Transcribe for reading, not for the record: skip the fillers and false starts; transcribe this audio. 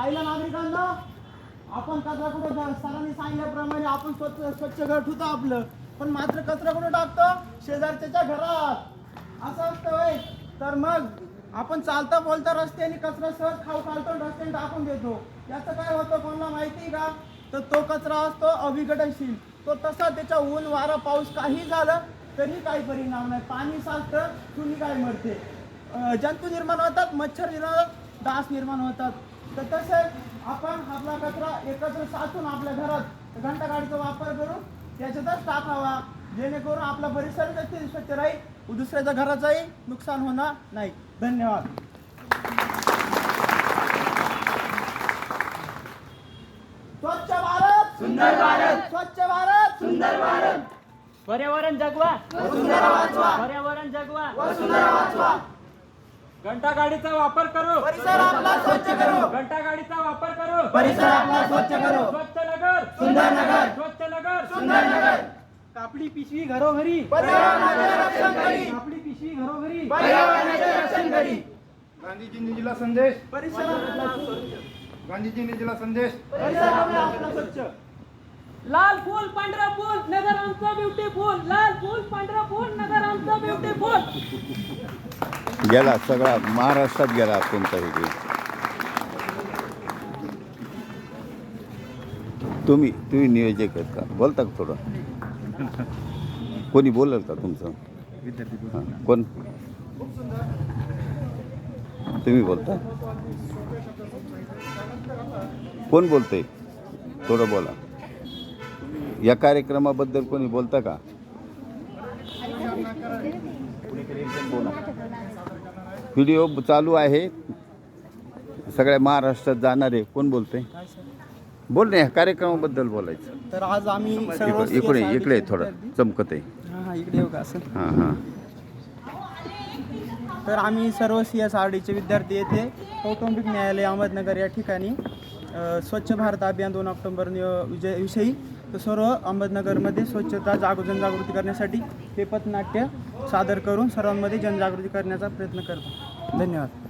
पाहिलं नागरिकांना, आपण कचरा कुठं सरांनी सांगितल्याप्रमाणे आपण स्वच्छ घर ठेवतो आपलं, पण मात्र कचरा कुठं टाकतो? शेजारच्या घरात. असं असतं होय? तर मग आपण चालता बोलता रस्त्याने कचरा सहज खाऊ घालतो, रस्त्याने टाकून देतो. याचं काय होतं कोणाला माहिती का? तर तो कचरा असतो अविघटनशील. तो तसा त्याच्या ऊन वारा पाऊस काही झालं तरी काही परिणाम नाही. पाणी साचतं, चुली काय मरते, जंतू निर्माण होतात, मच्छर निर्माण होतात, डास निर्माण होतात. तर तसं आपण आपला कचरा एकत्र साचून आपल्या घरात घंटागाडीचा वापर करून त्याच्यातच टाकावा, जेणेकरून आपला परिसर देखील स्वच्छ राहील, दुसऱ्याच्या घराचंही नुकसान होणार नाही. धन्यवाद. स्वच्छ भारत सुंदर भारत, स्वच्छ भारत सुंदर भारत. पर्यावरण जगवा, वसुंधरा वाचवा, पर्यावरण जगवा, वसुंधरा वाचवा. घंटागाडीचा वापर करू, परिसर आपला स्वच्छ करो, घंटागाडीचा वापर करू, परिसर आपला स्वच्छ करो, स्वच्छ नगर, सुंदर नगर, स्वच्छ नगर, सुंदर नगर. कापडी पिशवी घरोघरी, पर्यावरणाचे रक्षण करी, कापडी पिशवी घरोघरी, पर्यावरणाचे रक्षण करी. गांधीजींनी दिला संदेश, परिसर आपला स्वच्छ, गांधीजींनी दिला संदेश. परिसर आपला स्वच्छ. लाल फूल पांढरा फूल नगर आमचं ब्युटीफुल, लाल फूल पांढरा फूल नगर आमचं ब्युटीफुल. गेला सगळा महाराष्ट्रात गेला तुमचा व्हिडिओ. तुम्ही नियोजक आहेत का? बोलता का थोडं? कोणी बोलल का तुमचं? हां, कोण? तुम्ही बोलता? कोण बोलतंय? थोडं बोला. या कार्यक्रमाबद्दल कोणी बोलता का? व्हिडिओ चालू आहे, सगळ्या महाराष्ट्रात जाणार आहे. कोण बोलतंय? बोल ना, या कार्यक्रमाबद्दल बोलायचं. तर आज आम्ही सर्व इकडे थोडं चमकत आहे. हां इकडे येऊ का असं? हां हां. तर आम्ही सर्व CSRDचे विद्यार्थी येथे कौटुंबिक न्यायालय अहमदनगर या ठिकाणी स्वच्छ भारत अभियान 2 ऑक्टोबर विषयी तर सर्व अहमदनगरमध्ये स्वच्छता जनजागृती करण्यासाठी हे पथनाट्य सादर करून सर्वांमध्ये जनजागृती करण्याचा प्रयत्न करतो. धन्यवाद.